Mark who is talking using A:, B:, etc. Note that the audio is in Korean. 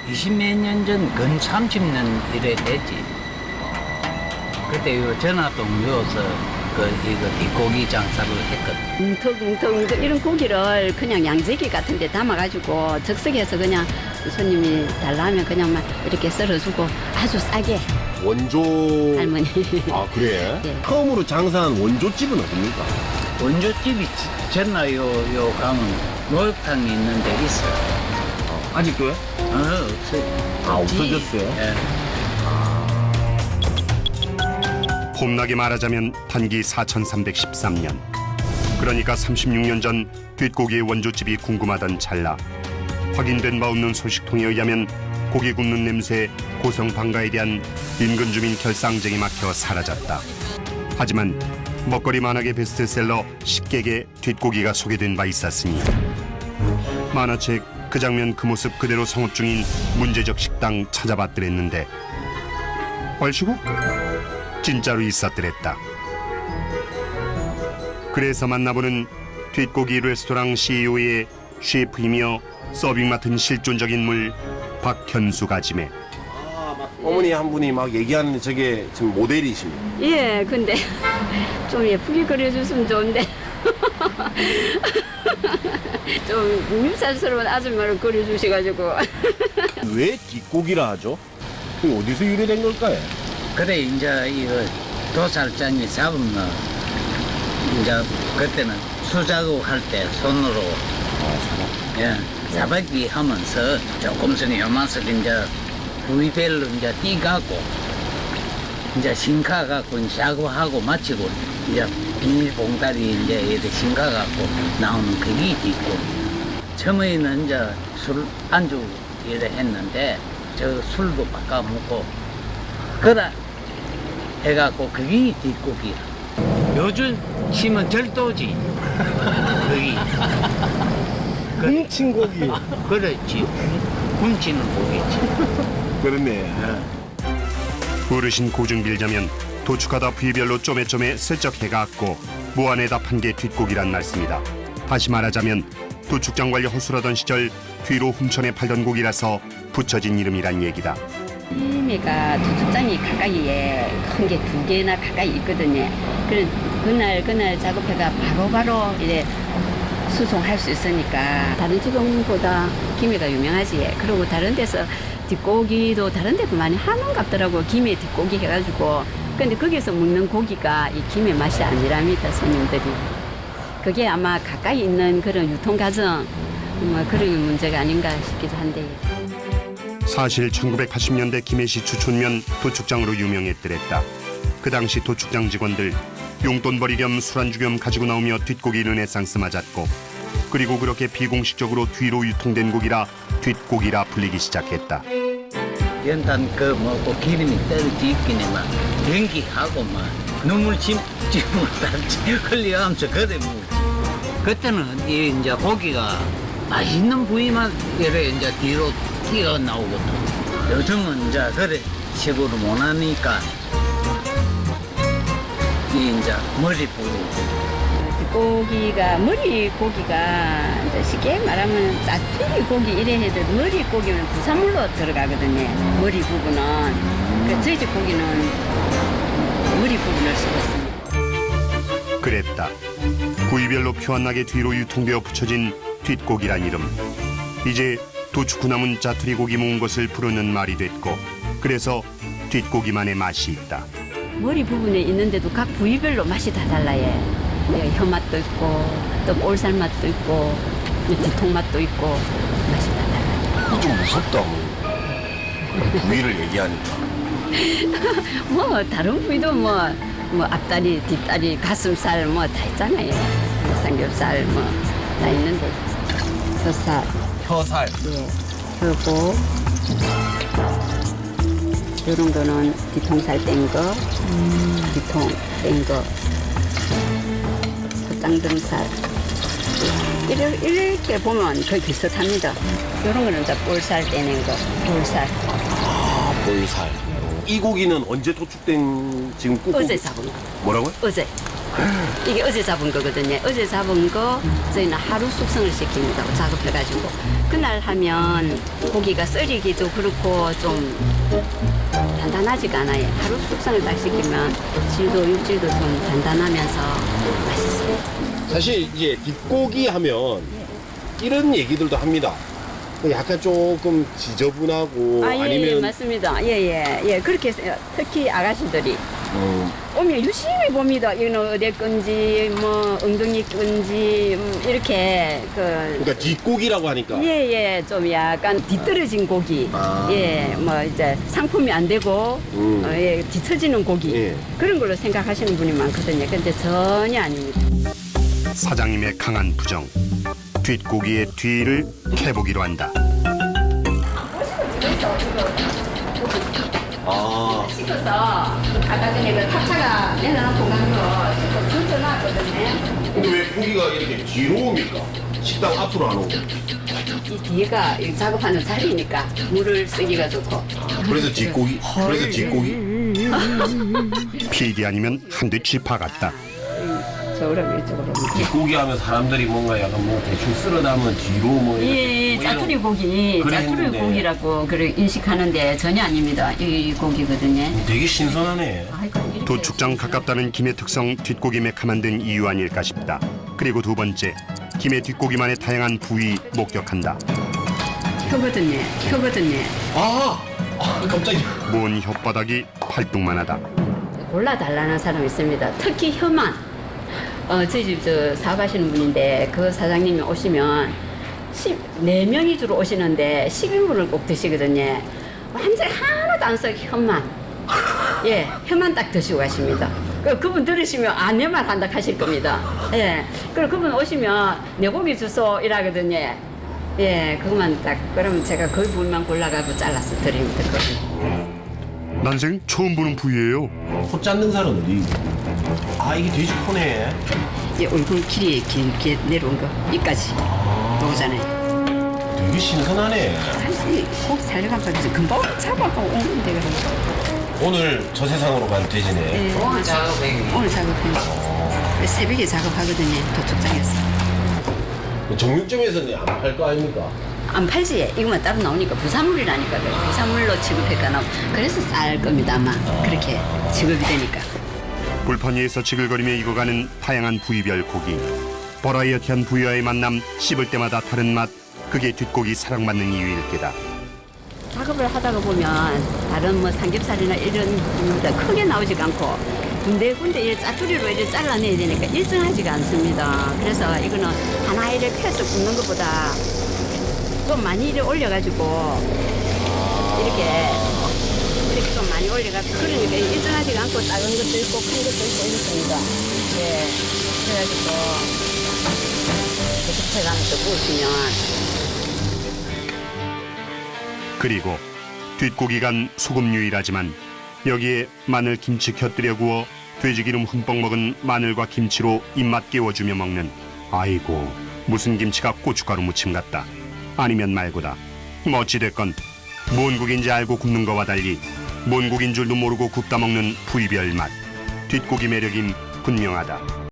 A: 20몇 년 전, 근 30년 이래 됐지. 그때 요 전화동 요서 이거 뒷고기 장사를 했거든.
B: 뭉텅뭉텅 이런 고기를 그냥 양재기 같은 데 담아가지고 적석해서 그냥 손님이 달라면 그냥 막 이렇게 썰어주고 아주 싸게.
C: 원조
B: 할머니.
C: 아 그래?
B: 예.
C: 처음으로 장사한 원조집은 어딥니까?
A: 원조집이 전나 요 가면 목욕탕이 있는 데 있어.
C: 아직도요?
A: 없어요.
C: 아, 없어졌어요?
A: 예.
D: 폼나게 말하자면 단기 4313년. 그러니까 36년 전 뒷고기의 원조집이 궁금하던 찰나 확인된 바 없는 소식통에 의하면 고기 굽는 냄새, 고성 방가에 대한 인근 주민 결상쟁이 막혀 사라졌다. 하지만 먹거리 만화계 베스트셀러 식객에 뒷고기가 소개된 바 있었으니 만화책 그 장면 그 모습 그대로 성업 중인 문제적 식당 찾아봤더랬는데 얼씨구 진짜로 있었더랬다. 그래서 만나보는 뒷고기 레스토랑 CEO의 셰프이며 서빙 맡은 실존적 인물 박현수 가지매.
C: 어머니 한 분이 막 얘기하는 저게 지금 모델이십니다.
B: 예, 근데 좀 예쁘게 그려줬으면 좋은데. 좀 밉살스러운 아줌마를 그려주셔가지고.
C: 왜 뒷고기라 하죠? 그게 어디서 유래된 걸까요?
A: 그래 이제 이거 도살장이 잡으면 이제 그때는 수작업 할 때 손으로 예, 사박기 하면서 조금씩 요만씩 이제 부위별로 이제 띠갖고 이제 신카갖고 샤고하고 마치고 이제 비닐봉다리 이제 이렇게 신카갖고 나오는 그게 있고 처음에는 이제 술 안주 이래 했는데 저 술도 바꿔 먹고 그래 해갖고 그게 뒷고기야. 요즘 치면 절도지. 거기.
C: 훔친 고기.
A: 그렇지. 훔치는 고기지.
C: 그렇네.
D: 어르신 고증 빌자면 도축하다 부위별로 쪼매쪼매 슬쩍 해갖고 무안에다 판 게 뒷고기란 말씀이다. 다시 말하자면 도축장 관리 허술하던 시절 뒤로 훔쳐내 팔던 고기라서 붙여진 이름이란 얘기다.
B: 김해가 도축장이 가까이에 큰 게 2개나 가까이 있거든요. 그래 그날 작업해가 바로바로 이래 수송할 수 있으니까 다른 지역보다 김해가 유명하지. 그리고 다른 데서 뒷고기도 다른 데도 많이 하는 같더라고. 김해 뒷고기 해가지고. 근데 거기서 먹는 고기가 이 김해 맛이 아니랍니다, 손님들이. 그게 아마 가까이 있는 그런 유통 과정 뭐 그런 문제가 아닌가 싶기도 한데.
D: 사실 1980년대 김해시 주촌면 도축장으로 유명했더랬다. 그 당시 도축장 직원들 용돈벌이 겸 술안주 겸 가지고 나오며 뒷고기 르네상스 맞았고 그리고 그렇게 비공식적으로 뒤로 유통된 고기라 뒷고기라 불리기 시작했다.
A: 연탄 그 먹고 기름이 떨어지기는 막 연기하고 막 눈물 찜을 달지 흘려가면서 그래 먹지. 그때는 이 이제 고기가 맛있는 부위만 이래 이제 뒤로 튀어 나오거든. 요즘은 이제 그래 식으로 못 하니까 이 이제 머리 부분.
B: 머리 고기가 이제 쉽게 말하면 짜투리 고기 이래 해도 머리 고기는 부산물로 들어가거든요. 머리 부분은. 그 저희 집 고기는 머리 부분을 쓰고 있습니다.
D: 그랬다. 부위별로 표 안 나게 뒤로 유통되어 붙여진 뒷고기란 이름. 이제 도축 후 남은 짜투리 고기 모은 것을 부르는 말이 됐고 그래서 뒷고기만의 맛이 있다.
B: 머리 부분에 있는데도 각 부위별로 맛이 다 달라요. 네, 혀 맛도 있고 또 볼살 맛도 있고 뒤통 맛도 있고 맛이 다 달라요.
C: 좀 무섭다. 부위를 얘기하니까.
B: 뭐 다른 부위도 뭐 앞다리, 뒷다리, 가슴살 뭐 다 있잖아요. 삼겹살 뭐 다 있는데 혀살.
C: 혀살.
B: 예. 그리고 이런 거는 뒤통살 뗀 거, 뒤통 뗀 거, 콧장등살. 이렇게 보면 거의 비슷합니다. 이런 거는 이제 볼살 떼낸 거, 볼살.
C: 아, 볼살. 이 고기는 언제 도축된 지금 꾹?
B: 어제 잡은 거.
C: 뭐라고요?
B: 어제. 이게 어제 잡은 거거든요. 어제 잡은 거 저희는 하루 숙성을 시킵니다. 작업해가지고 그날 하면 고기가 썰이기도 그렇고 좀 단단하지가 않아요. 하루 숙성을 딱 시키면 질도 육질도 좀 단단하면서 맛있어요.
C: 사실 이제 뒷고기 하면 이런 얘기들도 합니다. 약간 조금 지저분하고
B: 예,
C: 아니면
B: 맞습니다. 예. 그렇게 해서 특히 아가씨들이 오면 유심히 봅니다. 이거는 어디 건지, 뭐, 엉덩이 건지, 이렇게,
C: 그러니까 뒷고기라고 하니까
B: 좀 약간 뒤떨어진 고기.
C: 아.
B: 뭐, 이제 상품이 안 되고, 뒤처지는 고기.
C: 예.
B: 그런 걸로 생각하시는 분이 많거든요. 근데 전혀 아닙니다.
D: 사장님의 강한 부정. 뒷고기의 뒤를 캐보기로 한다.
C: 아
B: 씻어서 아까 전에 그 탑차가 내려놓고 간 거 씻고 던져놨거든요.
C: 근데 왜 고기가 이렇게 뒤로 옵니까? 식당 앞으로 안 오고
B: 이 뒤가 이 작업하는 자리니까 물을 쓰기가 좋고.
C: 그래서 뒷고기 그래서 뒷고기
D: PD 아니면 한대 쥐파 같다.
B: 저으로 이쪽으로.
C: 뒷고기 하면 사람들이 뭔가 약간 뭐 대충 쓸어 담은 뒤로 뭐
B: 예,
C: 뭐
B: 짜투리
C: 이런-
B: 고기,
C: 그래
B: 짜투리
C: 했는데.
B: 고기라고 그래 인식하는데 전혀 아닙니다. 이 고기거든요.
C: 되게 신선하네.
B: 아이고, 이렇게
D: 도축장 가깝다는 김의 특성 뒷고기 메카 만든 이유 아닐까 싶다. 그리고 두 번째, 김의 뒷고기만의 다양한 부위 목격한다.
B: 혀거든요.
C: 아 깜짝이야.
D: 먼 혓바닥이 팔뚝만하다.
B: 골라달라는 사람이 있습니다. 특히 혀만. 저희 집 사업하시는 분인데 그 사장님이 오시면 4명이 주로 오시는데 10인분을 꼭 드시거든요. 완전히 하나도 안 썩 혀만. 예, 혀만 딱 드시고 가십니다. 그분 들으시면 내 말 한다 하실 겁니다. 예, 그리고 그분 오시면 내 고기 주소 이라거든요. 예, 그것만 딱 그러면 제가 그 부분만 골라가고 잘라서 드리면 되거든요.
D: 난생 처음 보는 부위예요.
C: 코 잡는 살은 어디? 아 이게 돼지 코네.
B: 이 얼굴 길이 길게 내려온 거 이까지 나오잖아요.
C: 되게 신선하네.
B: 꼭 살려가면서 금방 잡아가 오는데 그래.
C: 오늘 저 세상으로 간 돼지네.
B: 예,
A: 오늘 작업해.
B: 오늘 작업해. 새벽에 작업하거든요. 도축장에서.
C: 정육점에서는 안 팔 거 아닙니까?
B: 안 팔지. 이거만 따로 나오니까 부산물이라니까. 그래. 부산물로 취급할까 나. 그래서 쌀 겁니다 아마. 그렇게 취급이 되니까.
D: 불판 위에서 지글거리며 익어가는 다양한 부위별 고기. 버라이어티한 부위와의 만남, 씹을 때마다 다른 맛. 그게 뒷고기 사랑받는 이유일 게다.
B: 작업을 하다가 보면 다른 뭐 삼겹살이나 이런 것보다 크게 나오지가 않고 군데군데 이렇게 짜투리로 이렇게 잘라내야 되니까 일정하지가 않습니다. 그래서 이거는 하나 이렇게 펴서 굽는 것보다 좀 많이 이렇게 올려가지고 이렇게 좀 많이 올려가지고 그러니까 일정하지가 않고 작은 것도 있고 큰 것도 있고 이렇습니다. 예, 그래가지고 계속 채가면서 구우시면
D: 그리고 뒷고기간 소금류이라지만 여기에 마늘 김치 곁들여 구워 돼지기름 흠뻑 먹은 마늘과 김치로 입맛 깨워주며 먹는 아이고 무슨 김치가 고춧가루 무침 같다. 아니면 말고다. 뭐 어찌됐건 뭔 국인지 알고 굽는 거와 달리 뭔 국인 줄도 모르고 굽다 먹는 부위별 맛. 뒷고기 매력임 분명하다.